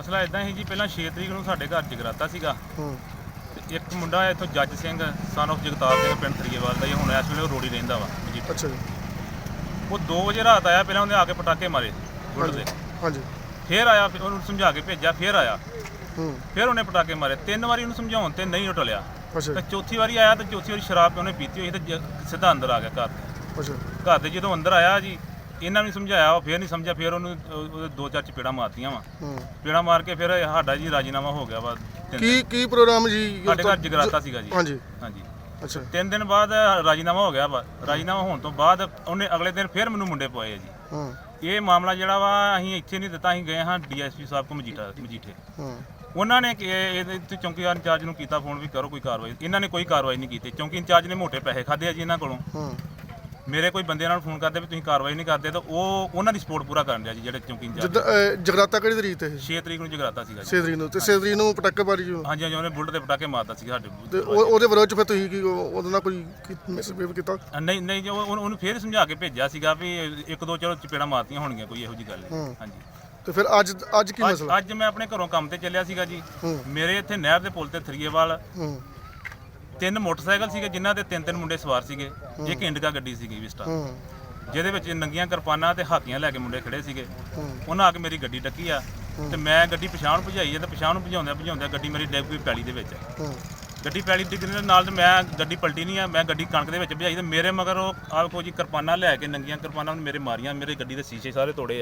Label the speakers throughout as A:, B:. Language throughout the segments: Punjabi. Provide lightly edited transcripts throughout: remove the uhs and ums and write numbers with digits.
A: ਮਸਲਾ ਇਦਾਂ ਸੀ ਜੀ, ਪਹਿਲਾਂ 6 ਤਰੀਕ ਨੂੰ ਸਾਡੇ ਘਰ ਜਗਰਾਤਾ ਸੀਗਾ ਤੇ ਇੱਕ ਮੁੰਡਾ ਇੱਥੋਂ ਜੱਜ ਸਿੰਘ ਸਨ ਆਫ ਜਗਤਾਰ ਸਿੰਘ ਪਿੰਡ ਥਰੀਏਵਾਲ ਦਾ, ਹੁਣ ਇਸ ਵੇਲੇ ਉਹ ਰੋੜੀ ਰਹਿੰਦਾ ਵਾ ਜੀ।
B: ਅੱਛਾ ਜੀ।
A: ਉਹ 2 ਵਜੇ ਰਾਤ ਆਇਆ, ਪਹਿਲਾਂ ਉਹਨੇ ਆ ਕੇ ਪਟਾਕੇ ਮਾਰੇ ਗੁੱਡ ਦੇ।
B: ਹਾਂਜੀ।
A: ਫਿਰ ਆਇਆ, ਫਿਰ ਉਹਨੂੰ ਸਮਝਾ ਕੇ ਭੇਜਿਆ, ਫਿਰ ਆਇਆ, ਫਿਰ ਉਹਨੇ ਪਟਾਕੇ ਮਾਰੇ। 3 ਵਾਰੀ ਉਹਨੂੰ ਸਮਝਾਉਣ ਤੇ ਨਹੀਂ ਟਲਿਆ। ਤੇ ਚੌਥੀ ਵਾਰੀ ਆਇਆ ਤੇ ਚੌਥੀ ਵਾਰੀ ਸ਼ਰਾਬ ਉਹਨੇ ਪੀਤੀ ਹੋਈ ਤੇ ਸਿੱਧਾ ਅੰਦਰ ਆ ਗਿਆ ਘਰ। ਘਰ ਦੇ ਜਦੋਂ ਅੰਦਰ ਆਇਆ ਜੀ, ਇਹਨਾਂ ਨੂੰ ਸਮਝਾਇਆ, ਉਹ ਫਿਰ ਨਹੀਂ ਸਮਝਿਆ, ਫਿਰ ਉਹਨੂੰ ਉਹਦੇ 2-4 ਚਪੇੜਾਂ ਮਾਰਤੀਆਂ ਵਾ। ਚਪੇੜਾਂ ਮਾਰ ਕੇ ਫਿਰ ਸਾਡਾ ਜੀ ਰਾਜੀਨਾਮਾ ਹੋ ਗਿਆ ਵਾ।
B: ਕੀ ਪ੍ਰੋਗਰਾਮ ਜੀ?
A: ਸਾਡੇ ਘਰ ਜਗਰਾਤਾ ਸੀਗਾ ਜੀ।
B: ਹਾਂਜੀ
A: ਹਾਂਜੀ।
B: ਅੱਛਾ।
A: 3 ਦਿਨ ਬਾਅਦ ਰਾਜੀਨਾਮਾ ਹੋ ਗਿਆ ਵਾ। ਰਾਜੀਨਾਮਾ ਹੋਣ ਤੋਂ ਬਾਅਦ ਉਹਨੇ ਅਗਲੇ ਦਿਨ ਫਿਰ ਮੈਨੂੰ ਮੁੰਡੇ ਪਵਾਏ ਜੀ। ਇਹ ਮਾਮਲਾ ਜਿਹੜਾ ਵਾ ਅਸੀਂ ਇੱਥੇ ਨਹੀਂ ਦਿੱਤਾ, ਅਸੀਂ ਗਏ ਹਾਂ ਡੀਐਸਪੀ ਸਾਹਿਬ ਕੋ ਮਜੀਠੇ। ਉਹਨਾਂ ਨੇ ਇਹਦੇ ਚੌਂਕੀਦਾਰ ਇੰਚਾਰਜ ਨੂੰ ਕੀਤਾ ਫੋਨ ਵੀ ਕਰੋ ਕੋਈ ਕਾਰਵਾਈ। ਇਹਨਾਂ ਨੇ ਕੋਈ ਕਾਰਵਾਈ ਨਹੀਂ ਕੀਤੀ। ਚੌਂਕੀ ਇੰਚਾਰਜ ਨੇ ਮੋਟੇ ਪੈਸੇ ਖਾਦੇ ਆ ਜੀ ਇਹਨਾਂ ਕੋਲੋਂ। ਮੇਰੇ ਕੋਈ ਬੰਦੇ ਨਾਲ ਫੋਨ ਕਰਦੇ ਵੀ ਤੁਸੀਂ ਕਾਰਵਾਈ ਨਹੀਂ ਕਰਦੇ, ਤਾਂ ਉਹ ਉਹਨਾਂ ਦੀ ਸਪੋਰਟ ਪੂਰਾ ਕਰਨ ਰਿਹਾ ਜੀ ਜਿਹੜੇ ਚੌਂਕੀ ਇੰਚਾਰਜ।
B: ਜਗਰਾਤਾ ਕਿਹੜੀ ਤਰੀਕ ਤੇ?
A: 6 ਤਰੀਕ ਨੂੰ ਜਗਰਾਤਾ ਸੀਗਾ ਜੀ।
B: 6 ਤਰੀਕ ਨੂੰ। ਤੇ 6 ਤਰੀਕ ਨੂੰ ਪਟਾਕੇ ਮਾਰੀ ਜੀ? ਹਾਂਜੀ
A: ਹਾਂਜੀ, ਉਹਨੇ ਬੁਲਟ ਤੇ ਪਟਾਕੇ ਮਾਰਦਾ ਸੀ ਸਾਡੇ।
B: ਤੇ ਉਹਦੇ ਵਿਰੋਧ ਚ ਫਿਰ ਤੁਸੀਂ ਕੀ ਉਹਦੇ ਨਾਲ ਕੋਈ ਮਿਸਬਿਹੇਵ ਕੀਤਾ?
A: ਨਹੀਂ ਨਹੀਂ ਜੀ, ਉਹਨੂੰ ਫਿਰ ਸਮਝਾ ਕੇ ਭੇਜਿਆ ਸੀਗਾ ਵੀ 1-2 ਚਲੋ ਚਪੇੜਾਂ ਮਾਰਤੀਆਂ ਹੋਣਗੀਆਂ, ਕੋਈ ਇਹੋ ਜਿਹੀ ਗੱਲ ਨਹੀਂ। ਹਾਂਜੀ।
B: ਤੇ ਫਿਰ ਅੱਜ ਕੀ ਮਸਲਾ?
A: ਅੱਜ ਮੈਂ ਆਪਣੇ ਘਰੋਂ ਕੰਮ ਤੇ ਚੱਲਿਆ ਸੀਗਾ ਜੀ। ਮੇਰੇ ਇੱਥੇ ਨਹਿਰ ਦੇ ਪੁਲ ਤੇ ਥਰੀਏਵਾਲ 3 ਮੋਟਰਸਾਈਕਲ ਸੀਗੇ, ਜਿਨ੍ਹਾਂ ਤੇ 3-3 ਮੁੰਡੇ ਸਵਾਰ ਸੀਗੇ। ਇੱਕ ਇੰਡਿਕਾ ਗੱਡੀ ਸੀਗੀ ਵਿਸਟਾ, ਜਿਹਦੇ ਵਿੱਚ ਨੰਗੀਆਂ ਕਿਰਪਾਨਾਂ ਤੇ ਹਾਕੀਆਂ ਲੈ ਕੇ ਮੁੰਡੇ ਖੜੇ ਸੀਗੇ। ਉਹਨਾਂ ਆ ਕੇ ਮੇਰੀ ਗੱਡੀ ਡੱਕੀ ਆ ਤੇ ਮੈਂ ਗੱਡੀ ਪਛਾਣ ਭਜਾਈ ਹੈ ਤੇ ਪਛਾਣ ਭਜਾਉਂਦਿਆਂ ਗੱਡੀ ਮੇਰੀ ਡਿੱਗ ਪਈ ਪੈਲੀ ਦੇ ਵਿੱਚ। ਗੱਡੀ ਪੈਲੀ ਡਿੱਗਣ ਦੇ ਨਾਲ ਤੇ ਮੈਂ ਗੱਡੀ ਪਲਟੀ ਨਹੀਂ ਆ, ਮੈਂ ਗੱਡੀ ਕਣਕ ਦੇ ਵਿੱਚ ਭਜਾਈ ਤੇ ਮੇਰੇ ਮਗਰ ਉਹ ਆਖੋ ਜੀ ਕਿਰਪਾਨਾਂ ਲੈ ਕੇ, ਨੰਗੀਆਂ ਕਿਰਪਾਨਾਂ ਮੇਰੇ ਮਾਰੀਆਂ। ਮੇਰੇ ਗੱਡੀ ਦੇ ਸ਼ੀਸ਼ੇ ਸਾਰੇ ਤੋੜੇ ਆ।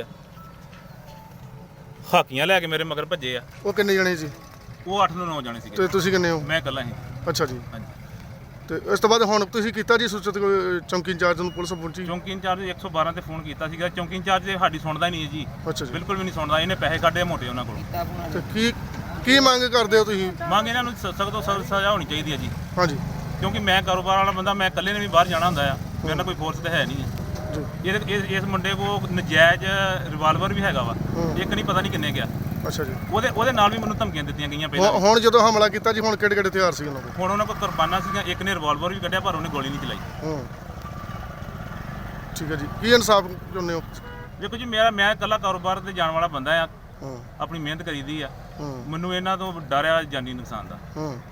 A: ਹਾਕੀਆਂ ਲੈ ਕੇ ਮੇਰੇ ਮਗਰ ਭੱਜੇ ਆ।
B: ਉਹ ਕਿੰਨੇ ਜਣੇ ਸੀ?
A: ਉਹ 8 ਤੋਂ 9 ਜਣੇ ਸੀਗੇ।
B: ਤੇ ਤੁਸੀਂ ਕਿੰਨੇ ਹੋ?
A: ਮੈਂ ਇਕੱਲਾ ਸੀ।
B: ਅੱਛਾ ਜੀ।
A: ਹਾਂਜੀ।
B: ਤੇ ਇਸ ਤੋਂ ਬਾਅਦ ਹੁਣ ਤੁਸੀਂ ਕੀਤਾ ਜੀ ਸੂਚਿਤ ਚੌਂਕੀ ਇੰਚਾਰਜ ਨੂੰ? ਪੁਲਿਸ ਪਹੁੰਚੀ?
A: ਚੌਂਕੀ ਇੰਚਾਰਜ 112 ਤੇ ਫੋਨ ਕੀਤਾ ਸੀਗਾ। ਚੌਂਕੀ ਇੰਚਾਰਜ ਸਾਡੀ ਸੁਣਦਾ ਹੀ ਨਹੀਂ ਹੈ ਜੀ।
B: ਅੱਛਾ ਜੀ।
A: ਬਿਲਕੁਲ ਵੀ ਨਹੀਂ ਸੁਣਦਾ। ਇਹਨੇ ਪੈਸੇ ਕੱਢੇ ਮੋਟੇ ਉਹਨਾਂ ਕੋਲੋਂ।
B: ਤੇ ਕੀ ਮੰਗ ਕਰਦੇ ਹੋ ਤੁਸੀਂ?
A: ਮੰਗ ਇਹਨਾਂ ਨੂੰ ਸਖਤ ਤੋਂ ਸਖਤ ਸਜ਼ਾ ਹੋਣੀ ਚਾਹੀਦੀ ਹੈ ਜੀ।
B: ਹਾਂਜੀ।
A: ਕਿਉਂਕਿ ਮੈਂ ਕਾਰੋਬਾਰ ਵਾਲਾ ਬੰਦਾ, ਮੈਂ ਇਕੱਲੇ ਨੇ ਵੀ ਬਾਹਰ ਜਾਣਾ ਹੁੰਦਾ ਆ, ਮੇਰੇ ਨਾਲ ਕੋਈ ਫੋਰਸ ਤਾਂ ਹੈ ਨਹੀਂ ਹੈ। ਇਸ ਮੁੰਡੇ ਕੋਲ ਨਜਾਇਜ਼ ਰਿਵਾਲਵਰ ਵੀ ਹੈਗਾ ਵਾ, ਇੱਕ ਨਹੀਂ ਪਤਾ ਨਹੀਂ ਕਿੰਨੇ ਗਿਆ।
B: ਅੱਛਾ ਜੀ।
A: ਉਹਦੇ ਨਾਲ ਵੀ ਮੈਨੂੰ ਧਮਕੀਆਂ ਦਿੱਤੀਆਂ ਗਈਆਂ ਪਹਿਲਾਂ।
B: ਹੁਣ ਜਦੋਂ ਹਮਲਾ ਕੀਤਾ ਜੀ, ਹੁਣ ਕਿਹੜੇ ਹਥਿਆਰ ਸੀ ਉਹਨਾਂ ਕੋਲ?
A: ਹੁਣ ਉਹਨਾਂ ਕੋਲ ਕਿਰਪਾਨਾਂ ਸੀਗੀਆਂ, ਇੱਕ ਨੇ ਰਿਵਾਲਵਰ ਵੀ ਕੱਢਿਆ ਪਰ ਉਹਨੇ ਗੋਲੀ ਨਹੀਂ ਚਲਾਈ।
B: ਠੀਕ ਹੈ ਜੀ। ਕੀ ਇਨਸਾਫ ਚਾਹੁੰਦੇ ਹੋ?
A: ਦੇਖੋ ਜੀ, ਮੈਂ ਇਕੱਲਾ ਕਾਰੋਬਾਰ ਤੇ ਜਾਣ ਵਾਲਾ ਬੰਦਾ ਆ, ਆਪਣੀ ਮਿਹਨਤ ਕਰੀਦੀ ਆ। ਮੈਨੂੰ ਇਹਨਾਂ ਤੋਂ ਡਰ ਆ ਜਾਨੀ ਨੁਕਸਾਨ ਦਾ।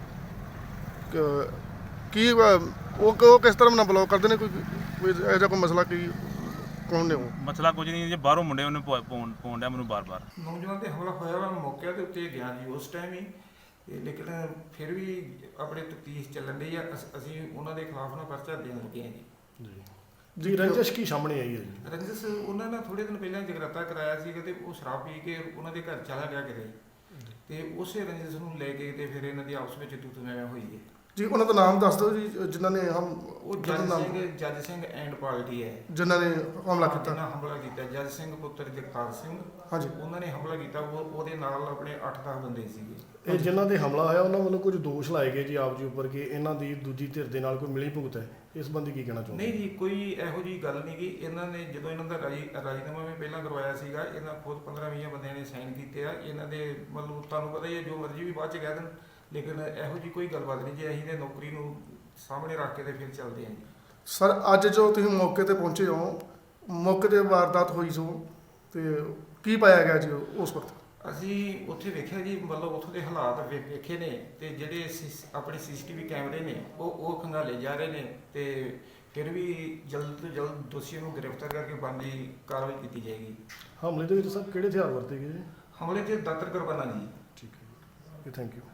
B: ਕੀ ਉਹ ਕਿਸ ਤਰ੍ਹਾਂ ਨਾਲ ਬਲੌਕ ਕਰਦੇ ਨੇ? ਕੋਈ ਇਹੋ ਜਿਹਾ ਕੋਈ ਮਸਲਾ ਕੀ ਕੌਣ ਨੇ ਉਹ?
A: ਮਸਲਾ ਕੁਝ ਨਹੀਂ ਜੀ, ਬਾਹਰੋਂ ਮੁੰਡੇ ਉਹਨੇ ਪਾਉਣ ਡਿਆ ਮੈਨੂੰ ਬਾਰ-ਬਾਰ।
C: ਨੌਜਵਾਨ ਤੇ ਹਮਲਾ ਹੋਇਆ ਵਾ, ਮੌਕੇ ਦੇ ਉੱਤੇ ਗਿਆ ਜੀ ਉਸ ਟਾਈਮ ਹੀ। ਲੇਕਿਨ ਫਿਰ ਵੀ ਆਪਣੇ ਤਫਤੀਸ਼ ਚੱਲਣ ਡਈ ਆ। ਅਸੀਂ ਉਹਨਾਂ ਦੇ ਖਿਲਾਫ ਨਾ ਪਰਚਾ ਦੇਣ ਲੱਗੇ ਹਾਂ ਜੀ।
B: ਜੀ ਰੰਜਿਸ਼ ਕੀ ਸਾਹਮਣੇ ਆਈ ਹੈ ਜੀ?
C: ਰੰਜਿਸ਼ ਉਹਨਾਂ ਨੇ ਥੋੜੇ ਦਿਨ ਪਹਿਲਾਂ ਜਗਰਾਤਾ ਕਰਾਇਆ ਸੀਗਾ ਤੇ ਉਹ ਸ਼ਰਾਬ ਪੀ ਕੇ ਉਹਨਾਂ ਦੇ ਘਰ ਚਲਾ ਗਿਆ ਕਿਤੇ, ਤੇ ਉਸੇ ਰੰਜਿਸ਼ ਨੂੰ ਲੈ ਕੇ ਤੇ ਫਿਰ ਇਹਨਾਂ ਦੀ ਆਪਸ ਵਿੱਚ ਤੂੰ ਮੈਂ ਹੋਈ ਹੈ
B: ਜੀ। ਉਹਨਾਂ ਦਾ ਨਾਮ ਦੱਸ ਦਿਓ ਜੀ, ਜਿਨ੍ਹਾਂ ਨੇ
C: ਉਹ ਜੱਜ ਸਿੰਘ ਐਂਡ ਪਾਰਟੀ ਹੈ
B: ਜਿਨ੍ਹਾਂ ਨੇ ਹਮਲਾ ਕੀਤਾ।
C: ਹਮਲਾ ਕੀਤਾ ਜੱਜ ਸਿੰਘ ਪੁੱਤਰ ਜਗਤਾਰ ਸਿੰਘ।
B: ਹਾਂਜੀ।
C: ਉਹਨਾਂ ਨੇ ਹਮਲਾ ਕੀਤਾ। ਉਹਦੇ ਨਾਲ ਆਪਣੇ 8-10 ਬੰਦੇ ਸੀਗੇ।
D: ਇਹ ਜਿਨ੍ਹਾਂ ਦੇ ਹਮਲਾ ਹੋਇਆ ਉਹਨਾਂ ਵੱਲੋਂ ਕੁਝ ਦੋਸ਼ ਲਾਏ ਗਏ ਜੀ ਆਪ ਜੀ ਉੱਪਰ ਕਿ ਇਹਨਾਂ ਦੀ ਦੂਜੀ ਧਿਰ ਦੇ ਨਾਲ ਕੋਈ ਮਿਲੀ ਭੁਗਤ ਹੈ। ਇਸ ਸੰਬੰਧੀ ਕੀ ਕਹਿਣਾ ਚਾਹੁੰਦੇ?
C: ਨਹੀਂ ਜੀ, ਕੋਈ ਇਹੋ ਜਿਹੀ ਗੱਲ ਨਹੀਂ ਗੀ। ਇਹਨਾਂ ਨੇ ਜਦੋਂ ਇਹਨਾਂ ਦਾ ਰਾਜੀਨਾਮਾ ਵੀ ਪਹਿਲਾਂ ਕਰਵਾਇਆ ਸੀਗਾ, ਇਹਨਾਂ ਖੁਦ 15-20 ਬੰਦਿਆਂ ਨੇ ਸਾਈਨ ਕੀਤੇ ਆ। ਇਹਨਾਂ ਦੇ ਮਤਲਬ ਤੁਹਾਨੂੰ ਪਤਾ ਹੀ ਹੈ, ਜੋ ਮਰਜ਼ੀ ਵੀ ਬਾਅਦ 'ਚ ਕਹਿ ਦੇਣ, ਲੇਕਿਨ ਇਹੋ ਜਿਹੀ ਕੋਈ ਗੱਲਬਾਤ ਨਹੀਂ ਜੀ। ਅਸੀਂ ਨੇ ਨੌਕਰੀ ਨੂੰ ਸਾਹਮਣੇ ਰੱਖ ਕੇ ਤੇ ਫਿਰ ਚੱਲਦੇ ਹਾਂ ਜੀ।
B: ਸਰ, ਅੱਜ ਜੋ ਤੁਸੀਂ ਮੌਕੇ ਤੇ ਪਹੁੰਚੇ ਹੋ, ਮੌਕੇ ਤੇ ਵਾਰਦਾਤ ਹੋਈ ਸੋ, ਤੇ ਕੀ ਪਾਇਆ ਗਿਆ ਜੀ ਉਸ ਵਕਤ?
C: ਅਸੀਂ ਉੱਥੇ ਵੇਖਿਆ ਜੀ, ਮਤਲਬ ਉੱਥੋਂ ਦੇ ਹਾਲਾਤ ਵੇਖੇ ਨੇ, ਤੇ ਜਿਹੜੇ ਆਪਣੇ CCTV ਕੈਮਰੇ ਨੇ ਉਹ ਖੰਗਾਲੇ ਜਾ ਰਹੇ ਨੇ, ਤੇ ਫਿਰ ਵੀ ਜਲਦ ਤੋਂ ਜਲਦ ਦੋਸ਼ੀਆਂ ਨੂੰ ਗ੍ਰਿਫਤਾਰ ਕਰਕੇ ਬਣਦੀ ਕਾਰਵਾਈ ਕੀਤੀ ਜਾਏਗੀ।
D: ਹਮਲੇ ਦੇ ਵਿੱਚ ਸਰ ਕਿਹੜੇ ਹਥਿਆਰ ਵਰਤੇ ਗਏ?
C: ਹਮਲੇ 'ਚ ਦਾਤਰ ਕਿਰਪਾਨਾਂ ਜੀ।
D: ਠੀਕ ਹੈ ਜੀ, ਥੈਂਕ ਯੂ।